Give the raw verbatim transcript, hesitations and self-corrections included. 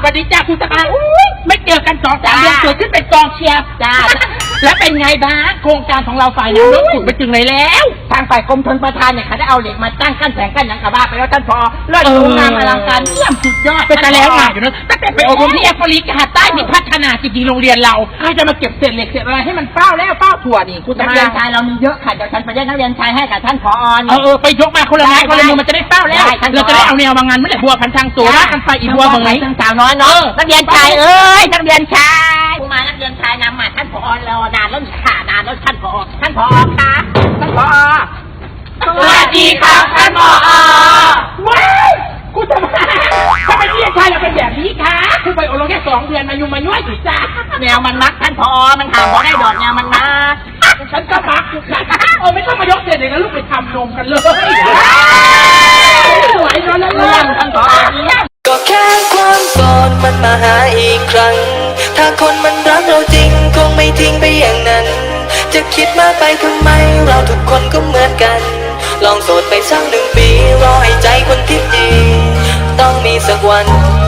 สวัสดีจ้าคุณสภาอุ้ยไม่เจอกันสองสามเดือนเกิดขึ้นเป็นกองเชียร์จ้าแล้วเป็นไงบ้างโครงการของเราฝ่ายน้ำล้นขุดไปถึงไหนแล้วทางฝ่ายกรมชลประทานเนี่ยเขาได้เอาเหล็กมาตั้งกั้นแสงกั้นหนังกระบ้าไปแล้วท่านพอเลิศสวยงามอลังการเยี่ยมสุดยอดเป็นแล้วค่ะอยู่นะตั้งแต่ไปอบรมที่แอฟริกาใต้มีพัฒนาจริงๆโรงเรียนเราใครจะมาเก็บเศษเหล็กเศษอะไรให้มันเป้าแล้วเป้าถั่วนี่คุณนักเรียนชายเรามีเยอะค่ะเดี๋ยวฉันไปแยกนักเรียนชายให้กับท่านผอเออไปยกมาคนละไม้คนละมือมันจะได้เป้าแล้วเราจะได้เอาแนวบางงานไม่ได้บัวพันทางตัวว่ากันไปอีบัวบางไหนสาวน้อยเนาะนักเรียนชายเอ้ยนักเรียนชายผู้มานักเรียนชายนำมาท่านผอรอนานแล้วนี่ค่ะนานแล้วท่านผอท่านผอคะท่านผอสวัสดีครับท่านผอว้าวคุณทำไมทำไมนักเรียนชายเราเป็นแบบนี้คะคุณไปอบรมแค่สองเดือนมายุ่งมาย่วยสิจ้าแนวมันมักท่านผอมันถามพอได้ดอกแนวมันมักฉันก็มักอยู่ค่ะโอ้ไม่ต้องมายกเศษเลยนะลูกไปทำนมกันเลยสวยเนาะเรื่องท่านผอก็แค่ความโสดมันมาหาอีกครั้งถ้าคนมันรักเราจริงคงไม่ทิ้งไปอย่างนั้นจะคิดมากไปทำไมเราทุกคนก็เหมือนกันลองโสดไปสักหนึ่งปีรอให้ใจคนที่ดีต้องมีสักวัน